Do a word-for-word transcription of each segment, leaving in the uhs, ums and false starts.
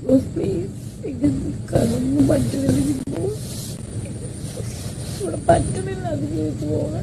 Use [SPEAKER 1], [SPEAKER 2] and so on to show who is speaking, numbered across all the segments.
[SPEAKER 1] പറ്റുന്നില്ല അത് ജീവിച്ചു പോകാൻ.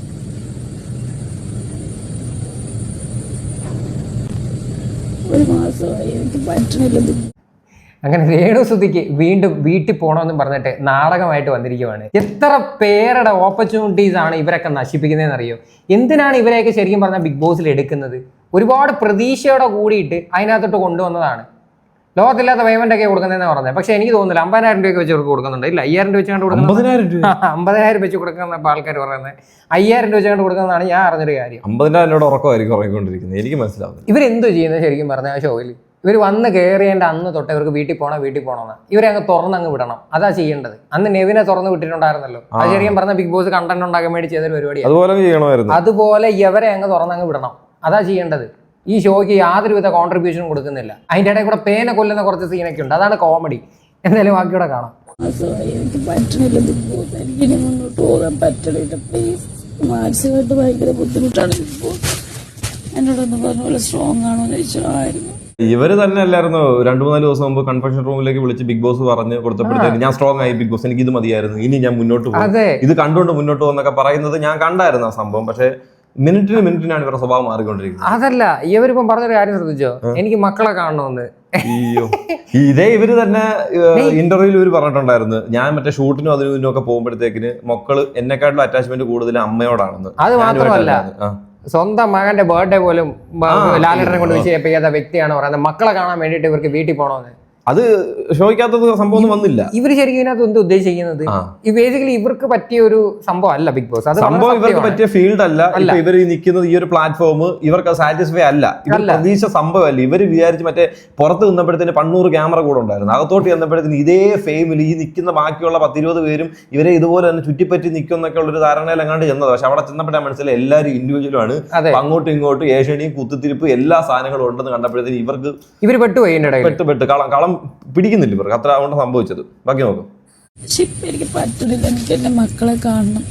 [SPEAKER 1] ഒരു മാസമായി എനിക്ക് പറ്റുന്നില്ല.
[SPEAKER 2] അങ്ങനെ രേണുസുതിക്ക് വീണ്ടും വീട്ടിൽ പോകണമെന്ന് പറഞ്ഞിട്ട് നാടകമായിട്ട് വന്നിരിക്കുവാണ്. എത്ര പേരുടെ ഓപ്പർച്യൂണിറ്റീസ് ആണ് ഇവരൊക്കെ നശിപ്പിക്കുന്നതെന്ന് അറിയോ? എന്തിനാണ് ഇവരെയൊക്കെ ശരിക്കും പറഞ്ഞാൽ ബിഗ് ബോസിൽ എടുക്കുന്നത്? ഒരുപാട് പ്രതീക്ഷയോടെ കൂടിയിട്ട് അതിനകത്തോട്ട് കൊണ്ടുവന്നതാണ്. ലോകത്തില്ലാത്ത പേയ്മെന്റ് ഒക്കെ കൊടുക്കുന്നതെന്ന് പറഞ്ഞത്. പക്ഷെ എനിക്ക് തോന്നുന്നില്ല അമ്പതിനായിരം രൂപയ്ക്ക് വെച്ച് അവർക്ക് കൊടുക്കുന്നുണ്ട്. ഇല്ല, അയ്യായിരം രൂപ വെച്ചുകൊണ്ട് കൊടുക്കുന്നത്. അമ്പതിനായിരം വെച്ച് കൊടുക്കുന്ന ആൾക്കാർ പറയുന്നത് അയ്യായിരം രൂപ വെച്ചുകൊണ്ട് കൊടുക്കുന്നതാണ് ഞാൻ അറിഞ്ഞൊരു കാര്യം.
[SPEAKER 3] അമ്പതിനായിരം രൂപ ഉറക്കമായിരിക്കും ഉറങ്ങിക്കൊണ്ടിരിക്കുന്നത്. എനിക്ക് മനസ്സിലാവുന്നത്
[SPEAKER 2] ഇവരെന്തോ ചെയ്യുന്നത് ശരിക്കും പറഞ്ഞാൽ ആ ഷോയിൽ. ഇവർ വന്ന് കയറിയതിൻ്റെ അന്ന് തൊട്ട് ഇവർക്ക് വീട്ടിൽ പോകണം വീട്ടിൽ പോകണമെന്ന് ഇവരെ അങ്ങ് തുറന്നങ്ങ് വിടണം. അതാ ചെയ്യേണ്ടത്. അന്ന് നെവിനെ തുറന്ന് വിട്ടിട്ടുണ്ടായിരുന്നല്ലോ. അത് ശരിക്കും പറഞ്ഞാൽ ബിഗ് ബോസ് കണ്ടന്റ് ഉണ്ടാക്കാൻ വേണ്ടി ചെയ്തൊരു പരിപാടിയാണ്. അതുപോലെ ഇവരെ അങ്ങ് തുറന്നങ്ങ് വിടണം. അതാ ചെയ്യേണ്ടത്. ഈ ഷോയ്ക്ക് യാതൊരുവിധ കോൺട്രിബ്യൂഷനും കൊടുക്കുന്നില്ല. അതിൻ്റെ ഇടയിൽ കൂടെ പേന കൊല്ലുന്ന കുറച്ച് സീനൊക്കെ ഉണ്ട്. അതാണ് കോമഡി. എന്തായാലും ബാക്കിയൂടെ കാണാം.
[SPEAKER 1] എനിക്ക് പറ്റണില്ല ബിഗ് ബോസ്. എനിക്കിനി മുന്നോട്ട് പോകാൻ പറ്റണില്ല. പ്ലീസ്. മാനസികമായിട്ട് ഭയങ്കര ബുദ്ധിമുട്ടാണ് ബിഗ് ബോസ്. എന്നോടൊന്ന് പറഞ്ഞ പോലെ സ്ട്രോങ് ആണോ എന്ന് ചോദിച്ചായിരുന്നു.
[SPEAKER 3] ഇവര് തന്നെ അല്ലായിരുന്നു രണ്ടു മൂന്നാല് ദിവസം മുമ്പ് കൺഫെഷൻ റൂമിലേക്ക് വിളിച്ച് ബിഗ് ബോസ് പറഞ്ഞ് കൊടുത്തപ്പോഴത്തേക്ക് ഞാൻ സ്ട്രോങ് ആയി ബിഗ് ബോസ്, എനിക്ക് ഇത് മതിയായിരുന്നു, ഇനി ഞാൻ മുന്നോട്ട് പോകും, ഇത് കണ്ടുകൊണ്ട് മുന്നോട്ട് പോകുന്നൊക്കെ പറയുന്നത് ഞാൻ കണ്ടായിരുന്നു ആ സംഭവം. പക്ഷെ മിനിറ്റിന് മിനിറ്റിനാണ് ഇവരുടെ സ്വഭാവം മാറിക്കൊണ്ടിരിക്കുന്നത്.
[SPEAKER 2] അതല്ല, ഇവരിപ്പം പറഞ്ഞൊരു കാര്യം ശ്രദ്ധിച്ചോ? എനിക്ക് മക്കളെ കാണണമെന്ന്.
[SPEAKER 3] അയ്യോ, ഇതേ ഇവര് തന്നെ ഇന്റർവ്യൂവിൽ ഇവര് പറഞ്ഞിട്ടുണ്ടായിരുന്നു, ഞാൻ മറ്റേ ഷൂട്ടിനും അതിനും ഇതിനും ഒക്കെ പോകുമ്പോഴത്തേക്കിന് മക്കള് എന്നെക്കാട്ടിലും അറ്റാച്ച്മെന്റ് കൂടുതൽ അമ്മയോടാണെന്ന്.
[SPEAKER 2] അത് മാത്രമല്ല, സ്വന്തം മകന്റെ ബർത്ത്ഡേ പോലും ലാലേട്ടനെ കൊണ്ട് വിഷയം ചെയ്യാത്ത വ്യക്തിയാണ് പറയുന്നത് മക്കളെ കാണാൻ വേണ്ടിയിട്ട് ഇവർക്ക് വീട്ടിൽ പോകണമെന്ന്.
[SPEAKER 3] അത് ഷോയ്ക്കകത്തത് സംഭവം വന്നില്ല.
[SPEAKER 2] ഇവര് ശരിക്കും ഇതിനകത്ത് എന്ത് ഉദ്ദേശിക്കുന്നത്? ഈ ബേസിക്കലി ഇവർക്ക് പറ്റിയ ഒരു സംഭവം അല്ല ബിഗ് ബോസ്. അത്
[SPEAKER 3] സംഭവം ഇവർക്ക് പറ്റിയ ഫീൽഡ് അല്ല. ഇപ്പൊ ഇവർ നിൽക്കുന്നത് ഈ ഒരു പ്ലാറ്റ്ഫോം ഇവർക്ക് സാറ്റിസ്ഫൈ അല്ല. ഇവർ പ്രതീക്ഷ സംഭവമല്ല. ഇവര് വിചാരിച്ച് മറ്റേ പുറത്ത് നിന്നപ്പോഴത്തേന് പണ്ണൂറ് ക്യാമറ കൂടെ ഉണ്ടായിരുന്നു. അകത്തോട്ട് ചെന്നപ്പോഴത്തേന് ഇതേ ഫെയിമിൽ ഈ നിൽക്കുന്ന ബാക്കിയുള്ള പത്തിരുപത് പേരും ഇവരെ ഇതുപോലെ തന്നെ ചുറ്റിപ്പറ്റി നിൽക്കും എന്നൊക്കെ ഉള്ളൊരു ധാരണയിൽ എങ്ങാണ്ട് ചെന്നത്. പക്ഷെ അവിടെ ചെന്നപ്പോഴാണ് മനസ്സിലായി എല്ലാവരും ഇൻഡിവിജ്വലും ആണ്. അങ്ങോട്ടും ഇങ്ങോട്ടും ഏഷ്യണിയും കുത്തിത്തിരിപ്പ് എല്ലാ സാധനങ്ങളും ഉണ്ടെന്ന് കണ്ടപ്പോഴത്തേന് ഇവർക്ക്
[SPEAKER 2] ഇവർ പെട്ടുപോയി.
[SPEAKER 3] പെട്ട് പെട്ട് കളം കളം പിടിക്കുന്നില്ല ഇവർക്ക്. അത്ര അതുകൊണ്ട് സംഭവിച്ചത്. ബാക്കി നോക്കും.
[SPEAKER 1] എനിക്ക് പറ്റുന്നില്ല. എനിക്ക് എന്റെ മക്കളെ കാണണം.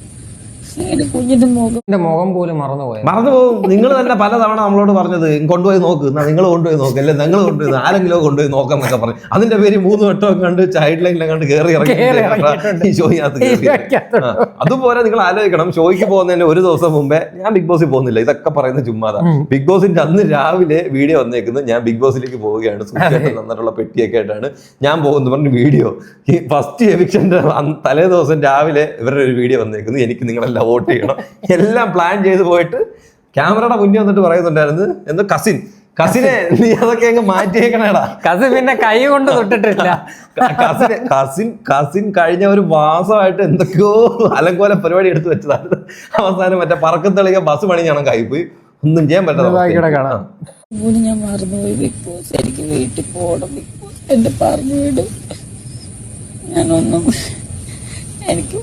[SPEAKER 1] കുഞ്ഞിന്റെ മുഖം
[SPEAKER 2] മുഖം പോലും മറന്നുപോയി
[SPEAKER 3] മറന്നുപോകും. നിങ്ങൾ തന്നെ പലതവണ നമ്മളോട് പറഞ്ഞത് കൊണ്ടുപോയി നോക്ക്, നിങ്ങൾ കൊണ്ടുപോയി നോക്ക്, അല്ലെ നിങ്ങൾ കൊണ്ടുപോയി ആരെങ്കിലും കൊണ്ടുപോയി നോക്കാം എന്നൊക്കെ പറഞ്ഞു. അതിന്റെ പേര് മൂന്ന് വട്ടം കണ്ട് ചൈൽഡ് ലൈനിലെ കണ്ട് കയറി ഇറങ്ങി ഈ ഷോയ്ക്കകത്ത്. അതുപോലെ നിങ്ങൾ ആലോചിക്കണം, ഷോയ്ക്ക് പോകുന്നതിന് ഒരു ദിവസം മുമ്പേ ഞാൻ ബിഗ് ബോസിൽ പോകുന്നില്ല, ഇതൊക്കെ പറയുന്ന ചുമ്മാതാ. ബിഗ് ബോസിന്റെ അന്ന് രാവിലെ വീഡിയോ വന്നേക്കുന്നത് ഞാൻ ബിഗ് ബോസിലേക്ക് പോവുകയാണ്, സൂക്ഷിച്ചിട്ട് തന്നിട്ടുള്ള പെട്ടിയൊക്കെ ആയിട്ടാണ് ഞാൻ പോകുന്നു പറഞ്ഞു വീഡിയോ. ഈ ഫസ്റ്റ് എവിക്ഷന്റെ തലേ ദിവസം രാവിലെ ഇവരുടെ ഒരു വീഡിയോ വന്നേക്കുന്നത്, എനിക്ക് നിങ്ങളെല്ലാം വോട്ട് ചെയ്യണം, എല്ലാം പ്ലാൻ ചെയ്ത് പോയിട്ട് ക്യാമറയുടെ മുന്നിൽ വന്നിട്ട് പറയുന്നുണ്ടായിരുന്നു എന്തോ കസിൻ കസിനെ നീ അതൊക്കെ അങ്ങ് മാറ്റിയേക്കണേടാ.
[SPEAKER 2] കസിൻ പിന്നെ കൈ കൊണ്ട് തൊട്ടിട്ടില്ല.
[SPEAKER 3] കസിൻ കസിൻ കസിൻ കഴിഞ്ഞ ഒരു മാസമായിട്ട് എന്തൊക്കെയോ അലങ്കോല പരിപാടി എടുത്തു വെച്ചതാണ്. അവസാനം മറ്റേ പറക്കത്തളിക ബസ് പണിഞ്ഞാണ് കൈപ്പോയി, ഒന്നും ചെയ്യാൻ പറ്റാതെ
[SPEAKER 2] കാണാം.
[SPEAKER 1] ഞാൻ മറന്നുപോയി ബിഗ് ബോസ്. എനിക്ക് വീട്ടിൽ പോകണം ബിഗ് ബോസ്. എന്റെ പറഞ്ഞു വിടും. ഞാനൊന്നും എനിക്ക്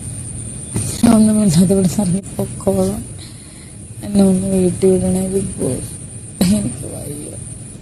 [SPEAKER 1] ഒന്നും ഇല്ലാതെ ഇവിടെ ഇറങ്ങി പൊക്കോളാം. എന്നെ ഒന്ന് വീട്ടിൽ വിടണേ ബിഗ് ബോസ്. എനിക്ക് വയ്യ.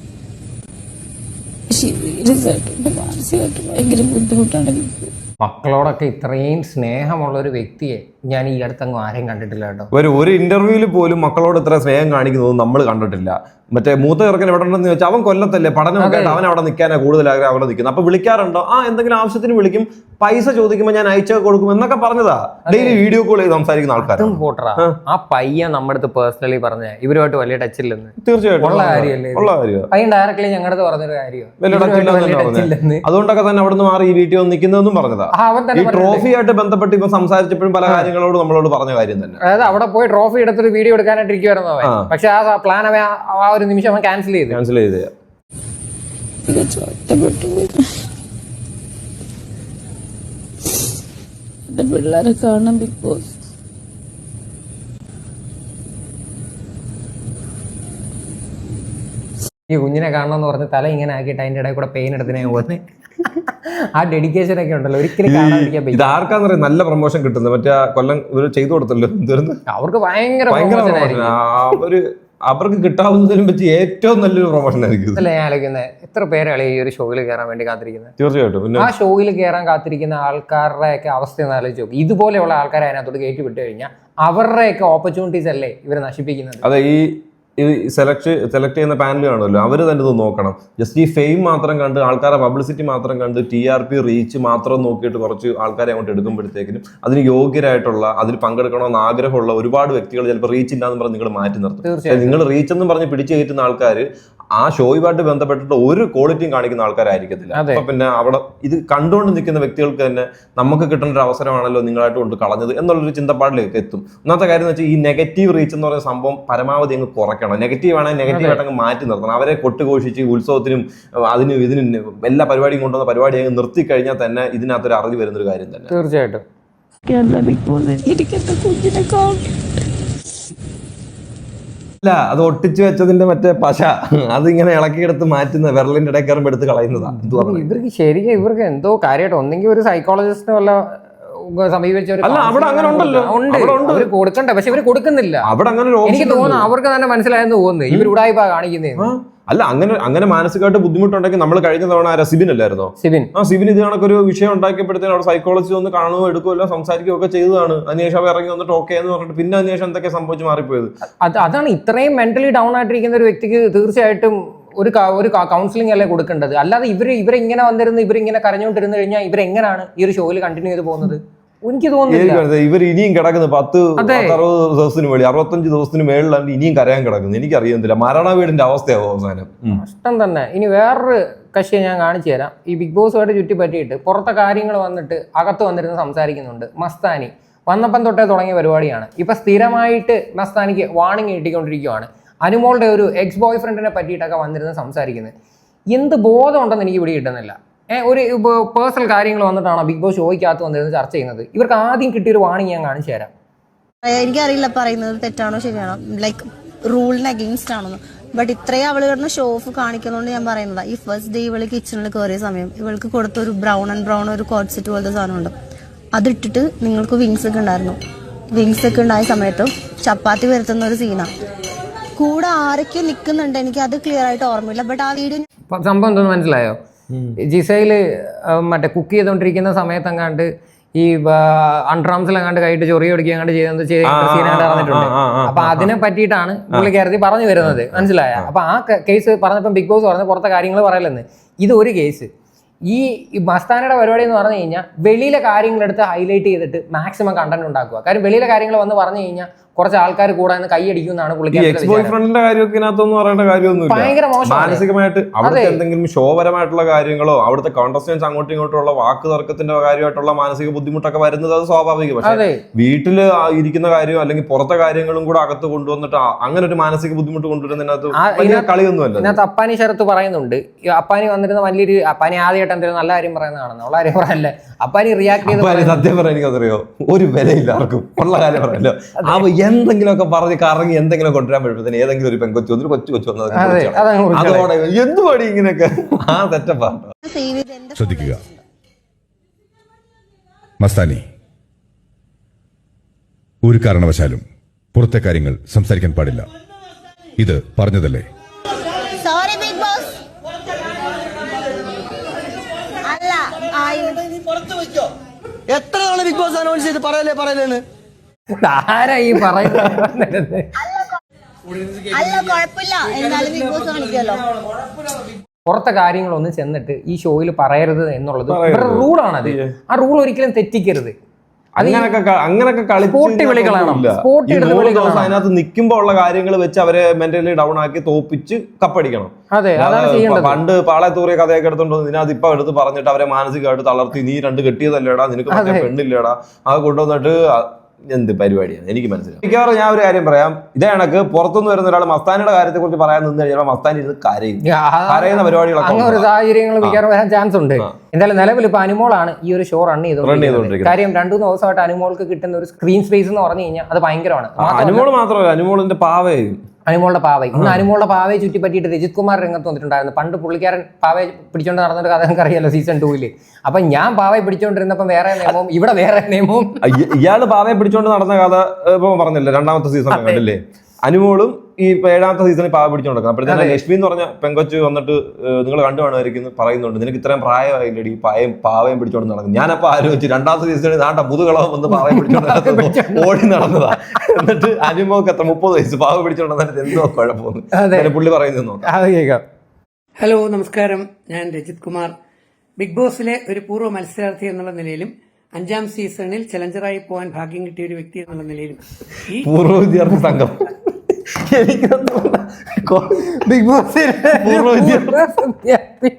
[SPEAKER 1] സീരിയസായിട്ട് മാനസികമായിട്ട് ഭയങ്കര ബുദ്ധിമുട്ടാണ് ബിഗ് ബോസ്.
[SPEAKER 2] മക്കളോടൊക്കെ ഇത്രയും സ്നേഹമുള്ള ഒരു വ്യക്തിയെ ഞാൻ ഈ അടുത്തങ്ങ് ആരെയും കണ്ടിട്ടില്ല കേട്ടോ.
[SPEAKER 3] ഒരു ഒരു ഇന്റർവ്യൂവിൽ പോലും മക്കളോട് ഇത്ര സ്നേഹം കാണിക്കുന്നത് നമ്മൾ കണ്ടിട്ടില്ല. മറ്റേ മൂത്ത ചെറുക്കൻ എവിടെ ഉണ്ടെന്ന് ചോദിച്ചാൽ അവൻ കൊല്ലത്തല്ലേ, പഠനമൊക്കെ ആയിട്ട് അവൻ അവിടെ നിൽക്കാനാണ് കൂടുതൽ ആഗ്രഹം, അവിടെ നിൽക്കുന്നത്. അപ്പൊ വിളിക്കാറുണ്ടോ? ആ എന്തെങ്കിലും ആവശ്യത്തിന് വിളിക്കും, പൈസ ചോദിക്കുമ്പോൾ ഞാൻ അയച്ചു കൊടുക്കും എന്നൊക്കെ പറഞ്ഞതാ. ഡെയിലി വീഡിയോ കോൾ ചെയ്ത് സംസാരിക്കുന്ന ആൾക്കാർ.
[SPEAKER 2] ആ പയ്യൻ നമ്മുടെ അടുത്ത് പേഴ്സണലി പറഞ്ഞ ഇവരുമായിട്ട് വലിയ ടച്ച് ഇല്ലെന്ന്.
[SPEAKER 3] തീർച്ചയായിട്ടും
[SPEAKER 2] ഉള്ള കാര്യമല്ലേ?
[SPEAKER 3] ഉള്ള കാര്യം.
[SPEAKER 2] പയ്യൻ ഡയറക്ട്ലി ഞങ്ങളുടെ പറഞ്ഞൊരു കാര്യം.
[SPEAKER 3] അതുകൊണ്ടൊക്കെ തന്നെ അവിടെ നിന്ന് മാറി ഈ വീട്ടിൽ വന്ന് നിൽക്കുന്നതെന്നും പറഞ്ഞതാ. ഈ ട്രോഫി ആയിട്ട് ബന്ധപ്പെട്ട് ഇപ്പൊ സംസാരിച്ചപ്പോഴും പല കാര്യങ്ങളോട് നമ്മളോട് പറഞ്ഞ കാര്യം തന്നെ.
[SPEAKER 2] അതായത് അവിടെ പോയി ട്രോഫി എടുത്തൊരു വീഡിയോ എടുക്കാനായിട്ട് ഇരിക്കുവായിരുന്നു അവൻ. പക്ഷെ ആ പ്ലാൻ അവൻ ആ ഒരു നിമിഷം അവൻ ക്യാൻസൽ ചെയ്തു
[SPEAKER 3] ക്യാൻസൽ ചെയ്ത്
[SPEAKER 1] പിള്ളേരെ കാണാൻ ബിഗ് ബോസ്.
[SPEAKER 2] ഈ കുഞ്ഞിനെ കാണണമെന്ന് പറഞ്ഞ് തല ഇങ്ങനെ ആക്കിയിട്ട് അതിന്റെ ഇടയിൽ കൂടെ പെയിൻ എടുത്തിനെ പോകുന്നത്. ആ ഡെഡിക്കേഷൻ ഒക്കെ ഉണ്ടല്ലോ, ഒരിക്കലും കാണാതിരിക്കാൻ പറ്റും.
[SPEAKER 3] ഇത് ആർക്കാന്ന് പറയാം നല്ല പ്രൊമോഷൻ കിട്ടുന്നത്. മറ്റേ കൊല്ലം ഇവര് ചെയ്തു കൊടുത്തല്ലോ,
[SPEAKER 2] അവർക്ക് ഭയങ്കര
[SPEAKER 3] ഭയങ്കര അവര് അവർക്ക് കിട്ടാവുന്നതിനും പറ്റി ഏറ്റവും നല്ലൊരു പ്രൊമോഷൻ ആയിരിക്കും.
[SPEAKER 2] അല്ല ഞാൻ ആലോചിക്കുന്നത്, എത്ര പേരാണ് ഈ ഒരു ഷോയിൽ കയറാൻ വേണ്ടി കാത്തിരിക്കുന്നത്?
[SPEAKER 3] തീർച്ചയായിട്ടും
[SPEAKER 2] ആ ഷോയിൽ കയറാൻ കാത്തിരിക്കുന്ന ആൾക്കാരുടെ ഒക്കെ അവസ്ഥ ഒന്ന് ആലോചിച്ച് നോക്കും. ഇതുപോലെയുള്ള ആൾക്കാരെ അതിനകത്തോട്ട് കയറ്റി വിട്ടു കഴിഞ്ഞാൽ അവരുടെയൊക്കെ ഓപ്പർച്യൂണിറ്റീസ് അല്ലേ ഇവരെ നശിപ്പിക്കുന്നത്.
[SPEAKER 3] അതെ, ഈ ഈ സെലക്ട് സെലക്ട് ചെയ്യുന്ന പാനൽ കാണുമല്ലോ, അവർ തന്നെ ഇത് നോക്കണം. ജസ്റ്റ് ഈ ഫെയിം മാത്രം കണ്ട് ആൾക്കാരെ പബ്ലിസിറ്റി മാത്രം കണ്ട് ടി ആർ പി റീച്ച് മാത്രം നോക്കിയിട്ട് കുറച്ച് ആൾക്കാരെ അങ്ങോട്ട് എടുക്കുമ്പോഴത്തേക്കിനും അതിന് യോഗ്യരായിട്ടുള്ള അതിൽ പങ്കെടുക്കണമെന്ന് ആഗ്രഹമുള്ള ഒരുപാട് വ്യക്തികൾ ചിലപ്പോൾ റീച്ച് ഇല്ലാന്ന് പറഞ്ഞ് നിങ്ങൾ മാറ്റി നിർത്തും. നിങ്ങൾ റീച്ച് എന്ന് പറഞ്ഞ് പിടിച്ചു കയറ്റുന്ന ആൾക്കാർ ആ ഷോയുമായിട്ട് ബന്ധപ്പെട്ടിട്ട് ഒരു ക്വാളിറ്റിയും കാണിക്കുന്ന ആൾക്കാരായിരിക്കത്തില്ല. അപ്പൊ പിന്നെ അവിടെ ഇത് കണ്ടുകൊണ്ട് നിൽക്കുന്ന വ്യക്തികൾക്ക് തന്നെ നമുക്ക് കിട്ടേണ്ട ഒരു അവസരമാണല്ലോ നിങ്ങളായിട്ട് കൊണ്ട് കളഞ്ഞത് എന്നുള്ളൊരു ചിന്തപ്പാടിലേക്ക് എത്തും. ഒന്നാമത്തെ കാര്യം എന്ന് വെച്ചാൽ ഈ നെഗറ്റീവ് റീച്ച് എന്ന് പറയുന്ന സംഭവം പരമാവധി അങ്ങ് കുറയ്ക്കണം. നെഗറ്റീവ് ആണെങ്കിൽ നെഗറ്റീവ് ആയിട്ട് അങ്ങ് മാറ്റി നിർത്തണം. അവരെ കൊട്ടുഘോഷിച്ച് ഉത്സവത്തിനും അതിനും ഇതിനും എല്ലാ പരിപാടിയും കൊണ്ടുവന്ന പരിപാടി അങ്ങ് നിർത്തി കഴിഞ്ഞാൽ തന്നെ ഇതിനകത്തൊരു അറിവ് വരുന്നൊരു കാര്യം തന്നെ.
[SPEAKER 2] തീർച്ചയായിട്ടും
[SPEAKER 1] എനിക്കെന്റെ കുഞ്ഞിനെ കാണും.
[SPEAKER 3] അല്ല, അത് ഒട്ടിച്ചു വെച്ചതിന്റെ മറ്റേ പശ അതിങ്ങനെ ഇളക്കിയെടുത്ത് മാറ്റുന്ന വിരലിന്റെ ഇടയിൽ കയറുമ്പോൾ എടുത്ത് കളയുന്നതാ.
[SPEAKER 2] ഇവർക്ക് ശരിക്കും ഇവർക്ക് എന്തോ കാര്യമായിട്ട് ഒന്നെങ്കിൽ ഒരു സൈക്കോളജിസ്റ്റിനെ വല്ല സമീപിച്ച
[SPEAKER 3] അല്ല, അവിടെ അങ്ങനെ ഉണ്ടല്ലോ,
[SPEAKER 2] അവര് കൊടുക്കണ്ടേ, പക്ഷെ ഇവര് കൊടുക്കുന്നില്ല.
[SPEAKER 3] അവിടെ അങ്ങനെ
[SPEAKER 2] എനിക്ക് തോന്നുന്നു അവർക്ക് തന്നെ മനസ്സിലായെന്ന് തോന്നുന്നു ഇവർ ഉടായിപ്പാ കാണിക്കുന്നേ.
[SPEAKER 3] അല്ല, അങ്ങനെ അങ്ങനെ മാനസികമായിട്ട് ബുദ്ധിമുട്ടുണ്ടെങ്കിൽ നമ്മൾ കഴിഞ്ഞ തവണ ആരാ സിബിൻ അല്ലായിരുന്നോ?
[SPEAKER 2] സിബിൻ
[SPEAKER 3] ആ സിബിൻ ഇത് കണക്കൊരു വിഷയം ഉണ്ടാക്കിയപ്പോഴത്തേനും അവിടെ സൈക്കോളജി ഒന്ന് കാണുകയോ എടുക്കുകയോ സംസാരിക്കുകയോ ഒക്കെ ചെയ്തതാണ്. അതിനുശേഷം അവർ ഇറങ്ങി വന്നിട്ട് ഓക്കെ എന്ന് പറഞ്ഞിട്ട് പിന്നെ അതിനുശേഷം എന്തൊക്കെ സംഭവിച്ച് മാറിപ്പോയത്.
[SPEAKER 2] അത് അതാണ് ഇത്രയും മെന്റലി ഡൗൺ ആയിട്ടിരിക്കുന്ന ഒരു വ്യക്തിക്ക് തീർച്ചയായിട്ടും ഒരു ഒരു കൗൺസിലിംഗ് അല്ലേ കൊടുക്കേണ്ടത്. അല്ലാതെ ഇവര് ഇവരിങ്ങനെ വന്നിരുന്ന് ഇവരിങ്ങനെ കരഞ്ഞുകൊണ്ടിരുന്നു കഴിഞ്ഞാൽ ഇവരെങ്ങനെയാണ് ഈ ഒരു ഷോയിൽ കണ്ടിന്യൂ ചെയ്ത് പോകുന്നത്? എനിക്ക് തോന്നുന്നില്ല.
[SPEAKER 3] ഇവർ ഇനിയും കിടക്കുന്നത് പത്ത് അറുപത് ദിവസത്തിന് മേളിൽ അറുപത്തഞ്ച് ദിവസത്തിന് മേളിലാണ് ഇനിയും കരയാൻ കിടക്കുന്നത്. എനിക്ക് അറിയുന്നില്ല മരണ വീടിന്റെ അവസ്ഥയാവും അവസാനം.
[SPEAKER 2] കഷ്ടം തന്നെ. ഇനി വേറൊരു കക്ഷിയെ ഞാൻ കാണിച്ചു തരാം. ഈ ബിഗ് ബോസുമായിട്ട് ചുറ്റി പറ്റിയിട്ട് പുറത്തെ കാര്യങ്ങൾ വന്നിട്ട് അകത്ത് വന്നിരുന്ന് സംസാരിക്കുന്നുണ്ട്. മസ്താനി വന്നപ്പം തൊട്ടേ തുടങ്ങിയ പരിപാടിയാണ്. ഇപ്പൊ സ്ഥിരമായിട്ട് മസ്താനിക്ക് വാണിംഗ് കിട്ടിക്കൊണ്ടിരിക്കുകയാണ്. അനുമോളുടെ ഒരു എക്സ് ബോയ് ഫ്രണ്ടിനെ പറ്റിയിട്ടൊക്കെ വന്നിരുന്ന് സംസാരിക്കുന്നത്. എന്ത് ബോധം ഉണ്ടെന്ന് എനിക്ക് ഇവിടെ കിട്ടുന്നില്ല. ഏഹ് ഒരു പേഴ്സണൽ കാര്യങ്ങൾ വന്നിട്ടാണോ ബിഗ് ബോസ് ഷോയ്ക്കകത്ത് വന്നിരുന്ന് ചർച്ച ചെയ്യുന്നത്? ഇവർക്ക് ആദ്യം കിട്ടിയൊരു വാണിംഗ് ഞാൻ കാണിച്ചു തരാം.
[SPEAKER 4] എനിക്കറിയില്ല പറയുന്നത് തെറ്റാണോ ശരിയാണോ, ലൈക്ക് റൂളിന് അഗെയിൻസ്റ്റ് ആണെന്ന്. ബട്ട് ഇത്രയും അവള് കിടന്ന ഷോ ഓഫ് കാണിക്കുന്നതുകൊണ്ട് ഞാൻ പറയുന്നതാ. ഈ ഫസ്റ്റ് ഡേ ഇവള് കിച്ചണിൽ കയറിയ സമയം ഇവൾക്ക് കൊടുത്ത ഒരു ബ്രൗൺ ആൻഡ് ബ്രൗൺ ഒരു കോട്ട് സെറ്റ് പോലത്തെ സാധനമുണ്ട്. അതിട്ടിട്ട് നിങ്ങൾക്ക് വിങ്സ് ഒക്കെ ഉണ്ടായിരുന്നു. വിങ്സ് ഒക്കെ ഉണ്ടായ സമയത്ത് ചപ്പാത്തി വരുത്തുന്ന ഒരു സീനാണ്. കൂടെ ആരൊക്കെ നിൽക്കുന്നുണ്ട് എനിക്ക് അത് ക്ലിയർ ആയിട്ട് ഓർമ്മയില്ല. ബട്ട് ആ വീഡിയോ
[SPEAKER 2] സംഭവം എന്തോന്ന് മനസ്സിലായോ? ജിസയില് മറ്റേ കുക്ക് ചെയ്തോണ്ടിരിക്കുന്ന സമയത്തെങ്ങാണ്ട് ഈ അൺട്രാംസിലെങ്ങാണ്ട് കൈയിട്ട് ചൊറിയ ഒടിക്കാണ്ട് ചെയ്യുന്നത് സീനായിട്ട് നടന്നിട്ടുണ്ട്. അപ്പൊ അതിനെ പറ്റിയിട്ടാണ് പുള്ളിക്കാരത്തി പറഞ്ഞു വരുന്നത്. മനസ്സിലായ? അപ്പൊ ആ കേസ് പറഞ്ഞപ്പോൾ ബിഗ് ബോസ് പറഞ്ഞ പുറത്തെ കാര്യങ്ങൾ പറയലെന്ന്. ഇത് ഒരു കേസ്. ഈ മസ്താനയുടെ പരിപാടി എന്ന് പറഞ്ഞു കഴിഞ്ഞാൽ വെളിയിലെ കാര്യങ്ങളെടുത്ത് ഹൈലൈറ്റ് ചെയ്തിട്ട് മാക്സിമം കണ്ടന്റ് ഉണ്ടാക്കുക. കാര്യം വെളിയിലെ കാര്യങ്ങൾ വന്ന് പറഞ്ഞു കഴിഞ്ഞാൽ കുറച്ച് ആൾക്കാർ കൂടെ കൈയടിക്കുമെന്നാണ്
[SPEAKER 3] പുള്ളിക്കാരന്റെ കാര്യമൊക്കെ പറയേണ്ട കാര്യമൊന്നും
[SPEAKER 2] ഭയങ്കര മോശം.
[SPEAKER 3] മാനസികമായിട്ട് അവിടുത്തെ എന്തെങ്കിലും ഷോപരമായിട്ടുള്ള കാര്യങ്ങളോ അവിടുത്തെ കോണ്ടസ്റ്റൻസ് അങ്ങോട്ടും ഇങ്ങോട്ടും ഉള്ള വാക്ക് തർക്കത്തിന്റെ കാര്യമായിട്ടുള്ള മാനസിക ബുദ്ധിമുട്ടൊക്കെ വരുന്നത് അത് സ്വാഭാവികം. പക്ഷേ വീട്ടില് ഇരിക്കുന്ന കാര്യമോ അല്ലെങ്കിൽ പുറത്തെ കാര്യങ്ങളും കൂടെ അകത്ത് കൊണ്ടുവന്നിട്ട് അങ്ങനെ ഒരു മാനസിക ബുദ്ധിമുട്ട് കൊണ്ടുവരുന്നതിനകത്ത് കളിയൊന്നുമല്ല.
[SPEAKER 2] ഇതിനകത്ത് അപ്പാനി ശരത്ത് പറയുന്നുണ്ട്. അപ്പാനി വന്നിരുന്ന വലിയൊരു അപ്പാനി ആദ്യമായിട്ട് എന്തെങ്കിലും നല്ല കാര്യം പറയുന്നതാണെന്ന്. ഉള്ള കാര്യം പറയല്ലേ അപ്പാനി റിയാക്ട് ചെയ്ത്
[SPEAKER 3] സത്യം പറയാൻ എനിക്കറിയോ ഒരു വിലയില്ല ആർക്കും ഉള്ള കാര്യം പറയല്ലോ. എന്തെങ്കിലുമൊക്കെ പറഞ്ഞ് കറങ്ങി എന്തെങ്കിലും കൊണ്ടുവരാൻ പറ്റുമ്പോൾ ഏതെങ്കിലും ഒരു പെങ്കൊച്ചു വന്നിട്ട് കൊച്ചു കൊച്ചു വന്നത് അതോടെ എന്തുപാടി ഇങ്ങനെയൊക്കെ ആ തെറ്റപ്പാട്ടോ.
[SPEAKER 5] ശ്രദ്ധിക്കുക മസ്താനി, ഒരു കാരണവശാലും പുറത്തെ കാര്യങ്ങൾ സംസാരിക്കാൻ പാടില്ല. ഇത് പറഞ്ഞതല്ലേ?
[SPEAKER 4] Sorry big boss. അല്ല
[SPEAKER 6] എത്ര നാളെ ബിഗ് ബോസ് അനൗൺസ് ചെയ്ത് പറയലേ പറയലേന്ന്
[SPEAKER 2] ആരാ ഈ പറയുന്നത്?
[SPEAKER 4] അല്ല കുഴപ്പമില്ല, എന്തായാലും ബിഗ് ബോസ് കാണിക്കുമല്ലോ.
[SPEAKER 2] പുറത്തെ കാര്യങ്ങളൊന്നും ചെന്നിട്ട് ഈ ഷോയിൽ പറയരുത് എന്നുള്ളത് ഇവരുടെ റൂളാണത്. ആ റൂൾ ഒരിക്കലും തെറ്റിക്കരുത്.
[SPEAKER 3] അങ്ങനൊക്കെ അങ്ങനൊക്കെ അതിനകത്ത് നിൽക്കുമ്പോ ഉള്ള കാര്യങ്ങൾ വെച്ച് അവരെ മെന്റലി ഡൗൺ ആക്കി തോപ്പിച്ച് കപ്പടിക്കണം. പണ്ട് പാളയത്തൂറിയ കഥയൊക്കെ എടുത്തോണ്ട് ഇതിനകത്ത് ഇപ്പൊ എടുത്ത് പറഞ്ഞിട്ട് അവരെ മാനസികമായിട്ട് തളർത്തി നീ രണ്ട് കെട്ടിയതല്ലേടാ, നിനക്ക് മറ്റേ പെണ്ണില്ലേടാ, അത് കൊണ്ടുവന്നിട്ട് എന്ത് പരിപാടിയാണ് എനിക്ക് മനസ്സിലാവും. മിക്കവാറും ഞാൻ ഒരു കാര്യം പറയാം, ഇതേ കണക്ക് പുറത്തുനിന്ന് വരുന്ന ഒരാൾ മസ്താനിയുടെ കാര്യത്തെ കുറിച്ച് പറയാൻ നിന്ന് കഴിഞ്ഞാൽ മസ്താനി ഇരുന്ന് കരയും. കരയുന്ന പരിപാടികളൊക്കെ
[SPEAKER 2] ഒരു സാഹചര്യങ്ങൾ മിക്കവാറും വരാൻ ചാൻസ് ഉണ്ട്. എന്തായാലും നിലവിൽ ഇപ്പൊ അനുമോളാണ് ഈ ഒരു ഷോ റൺ ചെയ്തോണ്ടിരിക്കുന്നത്. കാര്യം രണ്ടു മൂന്ന് ദിവസമായിട്ട് അനുമോൾക്ക് കിട്ടുന്ന ഒരു സ്ക്രീൻ സ്പേസ് എന്ന് പറഞ്ഞു കഴിഞ്ഞാൽ അത് ഭയങ്കരമാണ്.
[SPEAKER 3] അനുമോൾ മാത്രമല്ല, അനുമോളിന്റെ പാവയും
[SPEAKER 2] അനുമോളുടെ പാവൈ ഇന്ന് അനുമോളുടെ പാവയെ ചുറ്റി പറ്റിയിട്ട് രജിത് കുമാർ രംഗത്ത് വന്നിട്ടുണ്ടായിരുന്നു. പണ്ട് പുള്ളിക്കാരൻ പാവയെ പിടിച്ചോണ്ട് നടന്നൊരു കഥ നമുക്ക് അറിയാലോ സീസൺ ടൂവില്. അപ്പൊ ഞാൻ പാവയെ പിടിച്ചോണ്ടിരുന്നപ്പം വേറെ നിയമവും ഇവിടെ വേറെ നിയമവും.
[SPEAKER 3] ഇയാള് പാവയെ പിടിച്ചോണ്ട് നടന്ന കഥ ഇപ്പൊ പറഞ്ഞില്ലേ രണ്ടാമത്തെ സീസൺ കണ്ടില്ലേ? അനുമോളും ഈ ഏഴാമത്തെ സീസണിൽ പാവ പിടിച്ചോണ്ടിരിക്കുന്നത്. അപ്പോഴത്തേക്കും ലക്ഷ്മി എന്ന് പറഞ്ഞ പെങ്കൊച്ച് വന്നിട്ട് നിങ്ങൾ കണ്ടു കാണുമായിരിക്കും പറയുന്നുണ്ട്, നിനക്ക് ഇത്രയും പ്രായമായില്ലടി പായയും പാവയും പിടിച്ചോണ്ട് നടക്കും. ഞാനപ്പോ ആലോചിച്ച് രണ്ടാമത്തെ സീസണിൽ നാട്ട മുതുകളവും വന്ന് പാവയും പിടിച്ചോണ്ട് ഓടി നടന്നതാ. എന്നിട്ട് അനുമോക്ക് എത്ര മുപ്പത് വയസ്സ് പാവ പിടിച്ചോണ്ട് നടന്നിട്ട് എന്തോ കുഴപ്പമൊന്നും പുള്ളി പറയുന്നത് നോക്കാം.
[SPEAKER 7] ഹലോ, നമസ്കാരം. ഞാൻ രജിത് കുമാർ. ബിഗ് ബോസിലെ ഒരു പൂർവ്വ മത്സരാർത്ഥി എന്നുള്ള നിലയിലും അഞ്ചാം സീസണിൽ ചലഞ്ചറായി പോകാൻ ഭാഗ്യം കിട്ടിയ ഒരു വ്യക്തി എന്നുള്ള നിലയിലും ഈ
[SPEAKER 3] പൂർവ്വ വിദ്യാർത്ഥി സംഘം
[SPEAKER 2] ബിഗ് ബോസ്
[SPEAKER 3] പൂർവ്വ വിദ്യാർത്ഥി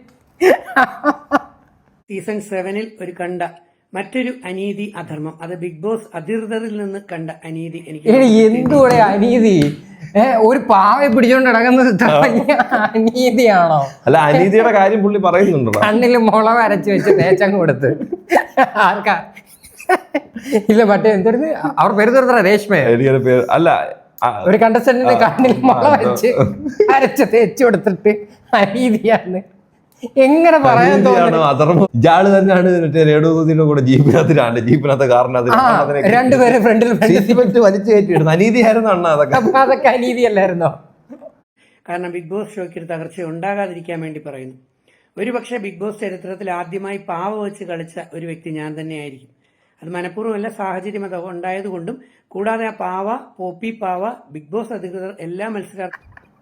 [SPEAKER 7] സീസൺ സെവനിൽ ഒരു കണ്ട മറ്റൊരു അനീതി, അധർമ്മം, അത് ബിഗ് ബോസ് അധികൃതരിൽ നിന്ന് കണ്ട അനീതി. എനിക്ക്
[SPEAKER 2] എന്തുകൂടെ അനീതി? ഏഹ് ഒരു പാവയെ പിടിച്ചോണ്ട് നടക്കുന്നത് അനീതിയാണോ?
[SPEAKER 3] അല്ല, അനീതിയുടെ കാര്യം പുള്ളി പറയുന്നുണ്ടോ?
[SPEAKER 2] കണ്ണില് മുള വരച്ച് വെച്ച് തേച്ചങ്ങ് കൊടുത്ത് ആർക്കാ? ഇല്ല, മറ്റേ എന്തായിരുന്നു അവർ പേര് തീർത്ത രേഷ്മ
[SPEAKER 3] അല്ല,
[SPEAKER 2] ഒരു കണ്ടസ്റ്റന്റിന് കണ്ണിൽ മുള വെച്ച് അരച്ച് തേച്ചു കൊടുത്തിട്ട് അനീതിയാണ്. എങ്ങനെ പറയാൻ തോന്നുന്നു?
[SPEAKER 3] അധർമ്മം. ഇയാള് തന്നെയാണ് മറ്റേ രേണുസുതിയുടെ കൂടെ ജീപ്പിനകത്തിലാണ് ജീപ്പിനകത്ത് കാറിനകത്ത്
[SPEAKER 2] രണ്ടുപേരും ഫ്രണ്ടിൽ
[SPEAKER 3] വലിച്ചു കയറ്റിയിടുന്നു. അനീതിയായിരുന്നു അണ്ണ അതൊക്കെ.
[SPEAKER 2] അതൊക്കെ അനീതിയല്ലായിരുന്നോ?
[SPEAKER 7] കാരണം ബിഗ് ബോസ് ഷോയ്ക്ക് ഒരു തകർച്ച ഉണ്ടാകാതിരിക്കാൻ വേണ്ടി പറയുന്നു. ഒരു പക്ഷേ ബിഗ് ബോസ് ചരിത്രത്തിൽ ആദ്യമായി പാവ വെച്ച് കളിച്ച ഒരു വ്യക്തി ഞാൻ തന്നെയായിരിക്കും. അത് മനഃപൂർവ്വമല്ല, സാഹചര്യം അത് ഉണ്ടായതുകൊണ്ടും. കൂടാതെ ആ പാവ, പോപ്പി പാവ, ബിഗ് ബോസ് അധികൃതർ എല്ലാ മത്സരാർത്ഥി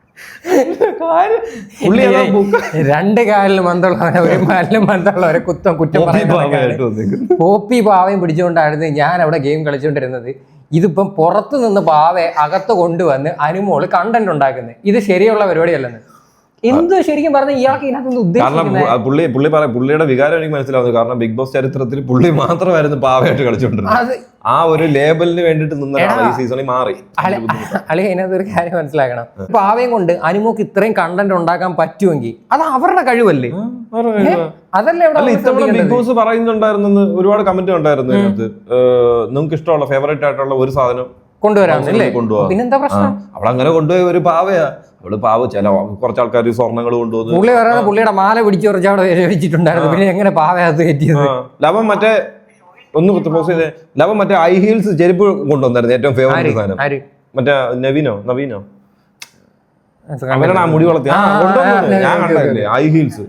[SPEAKER 2] രണ്ട് കാലിൽ മന്ദുള്ളവരെ ഒരു കാലിലും മന്ദുള്ളവരെ കുറ്റം കുറ്റം പറയുന്നത് പോപ്പി പാവയും പിടിച്ചുകൊണ്ടായിരുന്നു ഞാൻ അവിടെ ഗെയിം കളിച്ചുകൊണ്ടിരുന്നത്. ഇതിപ്പം പുറത്തു നിന്ന് പാവയെ അകത്ത് കൊണ്ടുവന്ന് അനുമോള് കണ്ടന്റ് ഉണ്ടാക്കുന്നത്. ഇത് ശരിയുള്ള പരിപാടിയല്ലെന്ന് എന്തോ ശരിക്കും പറഞ്ഞ ഇയാൾക്ക് ഇതിനകത്ത് ഉദ്ദേശിക്കുന്നത്.
[SPEAKER 3] പുള്ളി പുള്ളി പറയാം, പുള്ളിയുടെ വികാരം എനിക്ക് മനസ്സിലാവുന്നത്. കാരണം ബിഗ് ബോസ് ചരിത്രത്തിൽ പുള്ളി മാത്രമായിരുന്നു പാവയായിട്ട് കളിച്ചുകൊണ്ടിരുന്നത്. ആ ഒരു ലേബലിന് വേണ്ടിട്ട് നിന്ന ഈ സീസണിൽ മാറി.
[SPEAKER 2] അല്ലെ, അതിനകത്ത് ഒരു കാര്യം മനസ്സിലാക്കണം. പാവയും കൊണ്ട് അനുമോക്ക് ഇത്രയും കണ്ടന്റ് ഉണ്ടാക്കാൻ പറ്റുമെങ്കിൽ അത് അവരുടെ കഴിവല്ലേ? അതല്ലേ
[SPEAKER 3] ഇത്തവണ ബിഗ് ബോസ് പറയുന്നുണ്ടായിരുന്നു, ഒരുപാട് കമന്റ് ഉണ്ടായിരുന്നു അതിനകത്ത്. നിങ്ങൾക്ക് ഇഷ്ടമുള്ള ഫേവറേറ്റ് ആയിട്ടുള്ള ഒരു സാധനം
[SPEAKER 2] കൊണ്ടുവരാമെന്നല്ലേ?
[SPEAKER 3] കൊണ്ടുപോകാം.
[SPEAKER 2] പിന്നെന്താ പ്രശ്നം?
[SPEAKER 3] അവളങ്ങനെ കൊണ്ടുപോയ ഒരു പാവയാ. അവള് പാവ. ചില കുറച്ച് ആൾക്കാർ സ്വർണ്ണങ്ങൾ കൊണ്ടുവന്നു.
[SPEAKER 2] പുള്ളി പറയുന്നത് പുള്ളിയുടെ മാല പിടിച്ച് കുറച്ച് അവിടെ വെച്ചിട്ടുണ്ടായിരുന്നു. പിന്നെ എങ്ങനെ പാവയത് കയറ്റിയത്?
[SPEAKER 3] ലവൻ മറ്റേ ഒന്ന് പോസ്റ്റ് ചെയ്തേ, ലവൻ മറ്റേ ഹൈ ഹീൽസ് ചെരുപ്പ് കൊണ്ടുവന്നായിരുന്നു. ഏറ്റവും ഫേവറേറ്റ് സാധനം മറ്റേ നവീനോ നവീനോ അവനാണ് ആ മുടി വളർത്തി ഞാൻ കണ്ടില്ലേ ഹൈ ഹീൽസ്.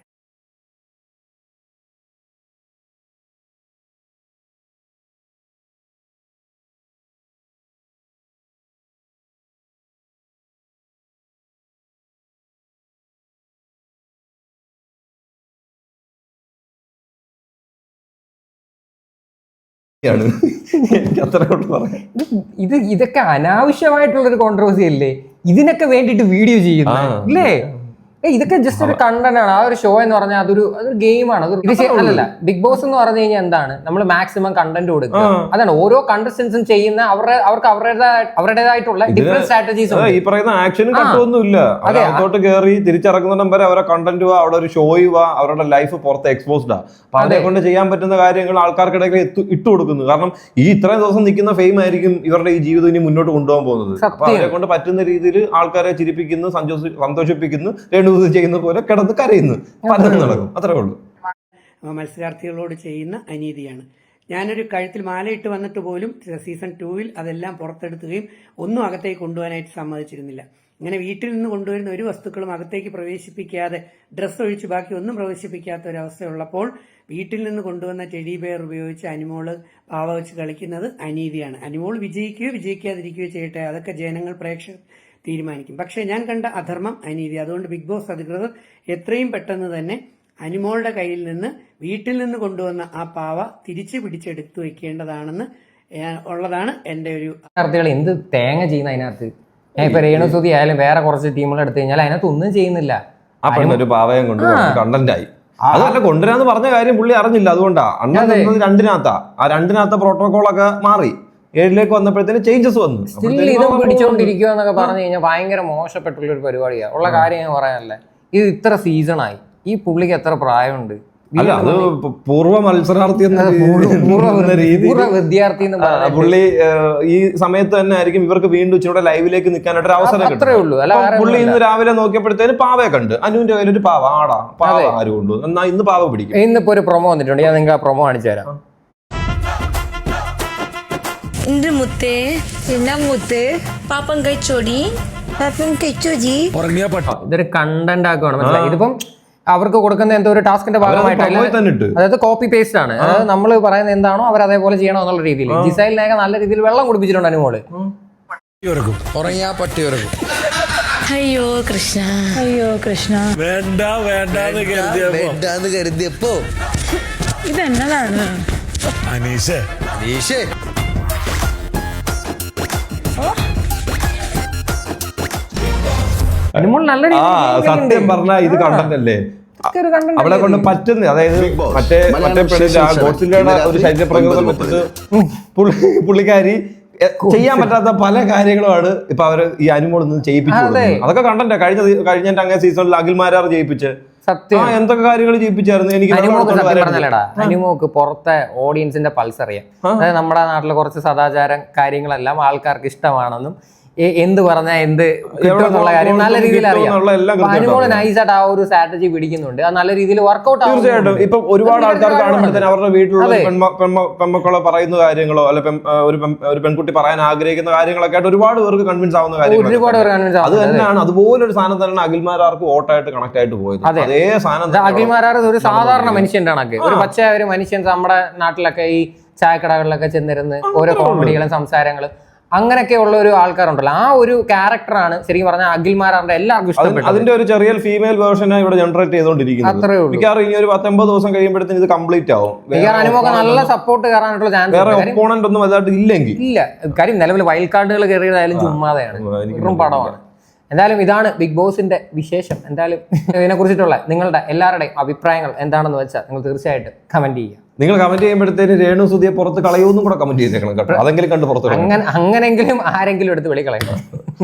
[SPEAKER 2] ഇത് ഇതൊക്കെ അനാവശ്യമായിട്ടുള്ളൊരു കോൺട്രവേഴ്സി അല്ലേ? ഇതിനൊക്കെ വേണ്ടിട്ട് വീഡിയോ ചെയ്യുന്നു അല്ലേ? ഇതൊക്കെ ജസ്റ്റ് ഒരു കണ്ടന്റ് ആണ്. ആ ഒരു ഷോ എന്ന് പറഞ്ഞാൽ അതൊരു അതൊരു ഗെയിമാണ്. അത് അല്ലല്ല, ബിഗ് ബോസ് എന്ന് പറഞ്ഞു കഴിഞ്ഞാൽ എന്താണ്, നമ്മൾ മാക്സിമം കണ്ടന്റ് കൊടുക്കുക. അതാണ് ഓരോ കണ്ടസ്റ്റൻസും ചെയ്യുന്ന അവരുടെ അവർക്ക് അവരുടേതായ അവരുടേതായിട്ടുള്ള ഡിഫറെന്റ് സ്ട്രാറ്റജീസ്.
[SPEAKER 3] ഈ പറയുന്ന ആക്ഷനും കട്ടൊന്നുമില്ല. അതോട്ട് കയറി തിരിച്ചിറങ്ങുന്നിടം വരെ അവരെ കണ്ടന്റ് വാ, അവിടെ ഒരു ഷോയ് വാ, അവരുടെ ലൈഫ് പുറത്ത് എക്സ്പോസ്ഡ് ആ. അപ്പൊ അവരെ കൊണ്ട് ചെയ്യാൻ പറ്റുന്ന കാര്യങ്ങൾ ആൾക്കാർക്കിടയിൽ ഇട്ട് കൊടുക്കുന്നു. കാരണം ഈ ഇത്രയും ദിവസം നിൽക്കുന്ന ഫെയിം ആയിരിക്കും ഇവരുടെ ഈ ജീവിതം ഇനി മുന്നോട്ട് കൊണ്ടുപോകാൻ പോകുന്നത്. അപ്പൊ അവരെ കൊണ്ട് പറ്റുന്ന രീതിയിൽ ആൾക്കാരെ ചിരിപ്പിക്കുന്നു, സന്തോഷിപ്പിക്കുന്നു, ചെയ്യുന്ന പോലെ കിടന്ന് കരയുന്നു, പലതും നടക്കും. അത്രേ ഉള്ളൂ.
[SPEAKER 7] മത്സരാർത്ഥികളോട് ചെയ്യുന്ന അനീതിയാണ്. ഞാനൊരു കഴുത്തിൽ മാലയിട്ട് വന്നിട്ട് പോലും സീസൺ ടൂവിൽ അതെല്ലാം പുറത്തെടുക്കുകയും ഒന്നും അകത്തേക്ക് കൊണ്ടുപോകാനായിട്ട് സമ്മതിച്ചിരുന്നില്ല. ഇങ്ങനെ വീട്ടിൽ നിന്ന് കൊണ്ടുവരുന്ന ഒരു വസ്തുക്കളും അകത്തേക്ക് പ്രവേശിപ്പിക്കാതെ, ഡ്രസ്സ് ഒഴിച്ച് ബാക്കി ഒന്നും പ്രവേശിപ്പിക്കാത്ത ഒരവസ്ഥയുള്ളപ്പോൾ വീട്ടിൽ നിന്ന് കൊണ്ടുവന്ന ടെഡി ബെയർ ഉപയോഗിച്ച് അനിമോള് പാവ വെച്ച് കളിക്കുന്നത് അനീതിയാണ്. അനിമോൾ വിജയിക്കുകയോ വിജയിക്കാതിരിക്കുകയോ ചെയ്യട്ടെ, അതൊക്കെ ജനങ്ങൾ പ്രേക്ഷകർ തീരുമാനിക്കും. പക്ഷേ ഞാൻ കണ്ട അധർമ്മം അനീതി. അതുകൊണ്ട് ബിഗ് ബോസ് അധികൃതർ എത്രയും പെട്ടെന്ന് തന്നെ അനിമോളുടെ കയ്യിൽ നിന്ന് വീട്ടിൽ നിന്ന് കൊണ്ടുവന്ന ആ പാവ തിരിച്ചു പിടിച്ചെടുത്തു വെക്കേണ്ടതാണെന്ന് ഉള്ളതാണ് എൻ്റെ ഒരു.
[SPEAKER 2] വിദ്യാർത്ഥികൾ എന്ത് തേങ്ങ ചെയ്യുന്ന അതിനകത്ത്? ഇപ്പൊ രേണുസുതി ആയാലും വേറെ കുറച്ച് ടീമുകൾ എടുത്തു കഴിഞ്ഞാൽ അതിനകത്ത് ഒന്നും ചെയ്യുന്നില്ല.
[SPEAKER 3] ഒരു പാവയം കൊണ്ട് കണ്ടന്റായി. അതല്ല, കൊണ്ടുവരാന്ന് പറഞ്ഞ കാര്യം പുള്ളി അറിഞ്ഞില്ല. അതുകൊണ്ടാ അണ്ണൻ രണ്ടിനകത്താ. ആ രണ്ടിനകത്ത പ്രോട്ടോകോളൊക്കെ മാറി ഏഴിലേക്ക് വന്നപ്പോഴത്തേന് ചേഞ്ചസ് വന്നു.
[SPEAKER 2] സ്റ്റിൽ ഇതും പിടിച്ചോണ്ടിരിക്കുക എന്നൊക്കെ പറഞ്ഞു കഴിഞ്ഞാൽ ഭയങ്കര മോശപ്പെട്ടുള്ള ഒരു പരിപാടിയാണ്. ഉള്ള കാര്യം ഞാൻ പറയാനല്ലേ, ഇത് ഇത്ര സീസണായി, ഈ പുള്ളിക്ക് എത്ര പ്രായമുണ്ട്?
[SPEAKER 3] അല്ല, അത് പൂർവ്വ മത്സരാർത്ഥി എന്ന
[SPEAKER 2] വിദ്യാർത്ഥി
[SPEAKER 3] പുള്ളി ഈ സമയത്ത് തന്നെ ആയിരിക്കും ഇവർക്ക് വീണ്ടും ഇച്ചിരി ലൈവിലേക്ക് നിൽക്കാനായിട്ട് ഒരു അവസരം കിട്ടും. പുള്ളി ഇന്ന് രാവിലെ നോക്കിയപ്പോഴത്തേന് പാവയെ കണ്ട്, അനുവിന്റെ കയ്യിൽ ഒരു പാവ, ആടാ പാവ ആരും കൊണ്ടു, എന്നാ ഇന്ന് പാവ പിടിക്കും.
[SPEAKER 2] ഇന്നിപ്പോ ഒരു പ്രൊമോ വന്നിട്ടുണ്ട്, ഞാൻ നിങ്ങൾക്ക് ആ പ്രൊമോ കാണിച്ചു തരാം.
[SPEAKER 8] മുത്തേ പിന്നെ മുത്തേ പാപ്പം കഴിച്ചോടി
[SPEAKER 2] ഇതൊരു കണ്ടന്റ് ആക്കുവാണ് മനസ്സിലായി. ഇതിപ്പം അവർക്ക് കൊടുക്കുന്ന എന്തോ ഒരു ടാസ്കിന്റെ ഭാഗമായിട്ടല്ല,
[SPEAKER 3] തന്നെ ഇട്ട്
[SPEAKER 2] അതായത് കോപ്പി പേസ്റ്റ് ആണ്. അതായത് നമ്മൾ പറയുന്നത് എന്താണോ അവർ അതേപോലെ ചെയ്യണോ എന്നുള്ള രീതിയിൽ. ജിസൈലിനൊക്കെ നല്ല രീതിയിൽ വെള്ളം കുടിപ്പിച്ചിട്ടുണ്ട് അനുമോള്.
[SPEAKER 1] അയ്യോ കൃഷ്ണ, അയ്യോ കൃഷ്ണ,
[SPEAKER 6] വേണ്ട വേണ്ടെന്ന് കരുതിയപ്പോ
[SPEAKER 1] ഇതെന്നതാണ്
[SPEAKER 6] അനീഷേ അനീഷേ
[SPEAKER 2] അനുമോൾ നല്ല
[SPEAKER 3] ആ
[SPEAKER 2] രീതിയിൽ
[SPEAKER 3] സത്യം പറഞ്ഞാ ഇത് കണ്ടന്റ് അല്ലേ
[SPEAKER 2] ഒരു content
[SPEAKER 3] അവളെ കൊണ്ട് പറ്റുന്ന, അതായത് മറ്റേ മറ്റേ പെണ്ണിന്റെ ആ ഗോഡ്സില്ലയുടെ ഒരു ശരീരപ്രകൃതം വെച്ചിട്ട് പുള്ളി പുള്ളിക്കാരി എ- ചെയ്യാൻ പറ്റാത്ത പല കാര്യങ്ങളുമാണ് ഇപ്പൊ അവര് ഈ അനുമോൾ നിന്ന് ചെയ്യിപ്പിച്ചു കൊടുക്കുന്നത്. അതൊക്കെ കണ്ടന്റ് കഴിഞ്ഞ കഴിഞ്ഞ അങ്ങേ സീസണിൽ അഖിൽമാരാർ ചെയ്യിപ്പിച്ച്
[SPEAKER 2] സത്യം.
[SPEAKER 3] ആ എന്തൊക്കെ കാര്യങ്ങൾ ചെയ്യിപ്പിച്ചായിരുന്നു. എനിക്ക്
[SPEAKER 2] അനുമോക്ക്
[SPEAKER 3] ഇതൊക്കെ
[SPEAKER 2] സത്യം
[SPEAKER 3] വരാൻ-
[SPEAKER 2] പറഞ്ഞല്ലടാ, അനുമോക്ക് പുറത്തെ ഓഡിയൻസിന്റെ പൾസ് അറിയാം. അതായത് നമ്മുടെ നാട്ടിലെ കുറച്ച് സദാചാരം കാര്യങ്ങളെല്ലാം ആൾക്കാർക്ക് ഇഷ്ടമാണെന്നും എ- എന്ത് പറഞ്ഞാൽ എന്ത് കിട്ടും എന്നുള്ള കാര്യം നല്ല രീതിയിൽ അറിയാം.
[SPEAKER 3] എന്നുള്ള എല്ലാം
[SPEAKER 2] അപ്പൊ
[SPEAKER 3] കൃത്യമായിട്ട്
[SPEAKER 2] അനുമോള് നൈസായിട്ട് ആ ഒരു സ്ട്രാറ്റജി പിടിക്കുന്നുണ്ട്. അത് നല്ല രീതിയിൽ വർക്ക്ഔട്ട്
[SPEAKER 3] തീർച്ചയായിട്ടും ഇപ്പൊ ഒരുപാട് ആൾക്കാർ കാണുമ്പോഴത്തേന് അവരുടെ വീട്ടിലുള്ള
[SPEAKER 2] അതെ.
[SPEAKER 3] പെൺമ- പെൺമ- പെൺമക്കളോ പറയുന്ന കാര്യങ്ങളോ അല്ലെ പെൺ- ആ, ഒരു പെൺ- ഒരു പെൺകുട്ടി പറയാൻ ആഗ്രഹിക്കുന്ന കാര്യങ്ങളൊക്കെ ആയിട്ട് ഒരുപാട് പേർക്ക് കൺവിൻസ് ആവുന്ന
[SPEAKER 2] ഒരുപാട് പേർ
[SPEAKER 3] കാര്യങ്ങൾ
[SPEAKER 2] convince
[SPEAKER 3] അത്
[SPEAKER 2] ആവുന്നുണ്ട്.
[SPEAKER 3] തന്നെയാണ്. അതുപോലൊരു സാധനം തന്നെയാണ് അഖിൽമാരാർക്ക് വോട്ടായിട്ട് കണക്ട് ആയിട്ട് പോയത്.
[SPEAKER 2] അതെ.
[SPEAKER 3] അതേ സാധനം
[SPEAKER 2] ഇത് അഖിൽമാരാർ ഒരു സാധാരണ മനുഷ്യന്റെ കണക്ക്, ഒരു പച്ച ഒരു മനുഷ്യൻ നമ്മുടെ നാട്ടിലൊക്കെ ഈ ചായക്കടകളിലൊക്കെ ചെന്നിരുന്ന് ഓരോ കോമഡികളും സംസാരങ്ങളും അങ്ങനെയൊക്കെ ഉള്ള ഒരു ആൾക്കാരുണ്ടല്ലോ, ആ ഒരു ക്യാരക്ടറാണ് ശരിക്കും പറഞ്ഞാൽ അഖിൽമാരാറിന്റെ എല്ലാവർക്കും ഇഷ്ടപ്പെട്ടത്.
[SPEAKER 3] അതിന്റെ ഒരു ചെറിയ ഫീമെയിൽ വേർഷനാണ് ഇവിടെ ജനറേറ്റ് ചെയ്തുകൊണ്ടിരിക്കുന്നത്.
[SPEAKER 2] അത്രേ ഉള്ളൂ.
[SPEAKER 3] മിക്കവാറും ഇനി ഒരു പത്തൊമ്പത് ദിവസം കഴിയുമ്പോഴത്തേന് ഇത് കംപ്ലീറ്റ് ആവും.
[SPEAKER 2] മിക്കവാറും അനുമോക്ക് നല്ല സപ്പോർട്ട് കയറാനായിട്ടുള്ള ചാൻസ്
[SPEAKER 3] വേറെ ഒപ്പോണന്റ് ഒന്നും വലുതായിട്ട് ഇല്ലെങ്കിൽ
[SPEAKER 2] ഇല്ല. കാര്യം നിലവിൽ വൈൽഡ് കാർഡുകൾ കയറിയതായാലും ചുമ്മാതെയാണ്,
[SPEAKER 3] എനിക്ക്
[SPEAKER 2] വെറും പടമാണ്. എന്തായാലും ഇതാണ് ബിഗ് ബോസിന്റെ വിശേഷം. എന്തായാലും ഇതിനെ കുറിച്ചിട്ടുള്ള നിങ്ങളുടെ എല്ലാവരുടെയും അഭിപ്രായങ്ങൾ എന്താണെന്ന് വെച്ചാൽ നിങ്ങൾ തീർച്ചയായിട്ടും കമന്റ് ചെയ്യുക.
[SPEAKER 3] നിങ്ങൾ കമന്റ് ചെയ്യുമ്പോഴത്തേന് രേണു സുധിയെ പുറത്ത് കളയൂന്നും കൂടെ കമന്റ് ചെയ്തേക്കണം കേട്ടോ. അതെങ്കിലും കണ്ട് പുറത്ത് കളയണം.
[SPEAKER 2] അങ്ങനെ അങ്ങനെങ്കിലും ആരെങ്കിലും എടുത്ത് വെളിക്കളയണം.